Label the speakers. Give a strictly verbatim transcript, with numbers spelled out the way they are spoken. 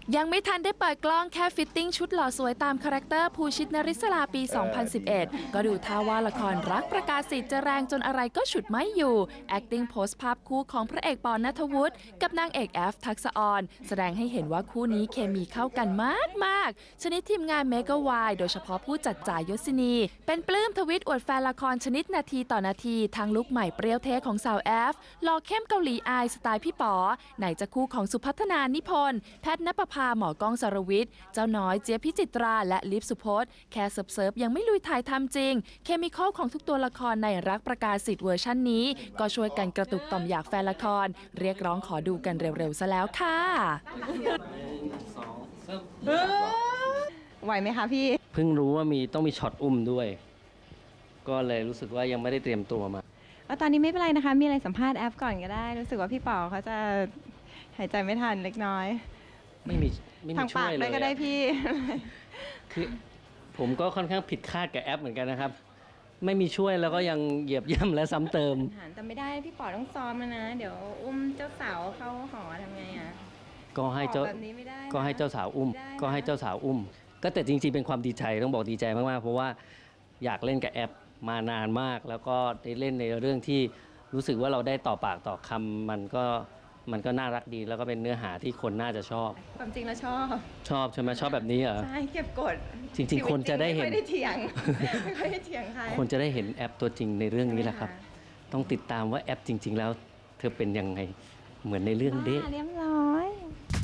Speaker 1: ยังไม่ทันได้เปิดกล้องแค่ฟิตติ้งชุดหล่อสวยตามคาแรคเตอร์ภูชิตนริศลาปี สองพันสิบเอ็ด ก็ดูท่าว่าละครรักประกาศสิทธิ์จะแรงจนอะไรก็ฉุดไม่อยู่ acting โพสต์ภาพคู่ของพระเอกปอณัฐวุฒิกับนางเอกแอฟทักษออนแสดงให้เห็นว่าคู่นี้เคมีเข้ากันมากมากชนิดทีมงานเมกะวายโดยเฉพาะผู้จัดจ่ายยศินีเป็นปลื้มทวิตอวดแฟนละครชนิดนาทีต่อนาทีทางลุคใหม่เปรี้ยวเทของสาวแอฟหล่อเข้มเกาหลีอายสไตล์พี่ป๋อไหนจะคู่ของสุพัฒนานิพนธ์แพทย์ณปภาหมอกล้องสรวิทย์เจ้าน้อยเจี๊ยบพิจิตราและลิฟสุพจน์แค่เซิร์ฟๆยังไม่ลุยถ่ายทำจริงเคมีคอลของทุกตัวละครในรักประกาศสิทธิ์เวอร์ชันนี้ก็ช่วยกันกระตุกต่อมอยากแฟนละครเรียกร้องขอดูกันเร็วๆซะแล้วค่ะ
Speaker 2: ไหวไหมคะพี่
Speaker 3: เพิ่งรู้ว่ามีต้องมีช็อตอุ้มด้วยก็เลยรู้สึกว่ายังไม่ได้เตรียมตัวมา
Speaker 2: แล้วตอนนี้ไม่เป็นไรนะคะมีอะไรสัมภาษณ์แอฟก่อนก็ได้รู้สึกว่าพี่ป๋อเขาจะหายใจไม่ทันเล็กน้อย
Speaker 3: ไม่มีไม่มีช่วยเลย
Speaker 2: ทางปากได้ก็ได้พี่
Speaker 3: คือผมก็ค่อนข้างผิดคาดกับแอปเหมือนกันนะครับไม่มีช่วยแล้วก็ยังเหยียบย่ำและซ้ำเติม
Speaker 2: แต่ไม่ได้พี่ป๋อต้องซ้อมนะ เดี๋ยวอุ้มเจ้าสาวเข้าหอทำไงอ่ะ
Speaker 3: ก็ให้เจ้าก็ให้เจ้าสาวอุ้มก็ให้เจ้าสาวอุ้มก็แต่จริงๆเป็นความดีใจต้องบอกดีใจมากๆเพราะว่าอยากเล่นกับแอปมานานมากแล้วก็ได้เล่นในเรื่องที่รู้สึกว่าเราได้ต่อปากต่อคำมันก็มันก็น่ารักดีแล้วก็เป็นเนื้อหาที่คนน่าจะชอบ
Speaker 2: ความจริงแล้วชอบ
Speaker 3: ชอบใช่ไหมชอบแบบนี้เหรอ
Speaker 2: ใช่เก็บกด
Speaker 3: จริงๆคนจะได้เห็น
Speaker 2: ไม่ได้เถียงไม่ค่อยได้เถียงใคร
Speaker 3: คนจะได้เห็นแอปตัวจริงในเรื่องนี้แหละครับต้องติดตามว่าแอปจริงๆแล้วเธอเป็นยังไงเหมือนในเรื่องเด้
Speaker 2: เรียบร้อย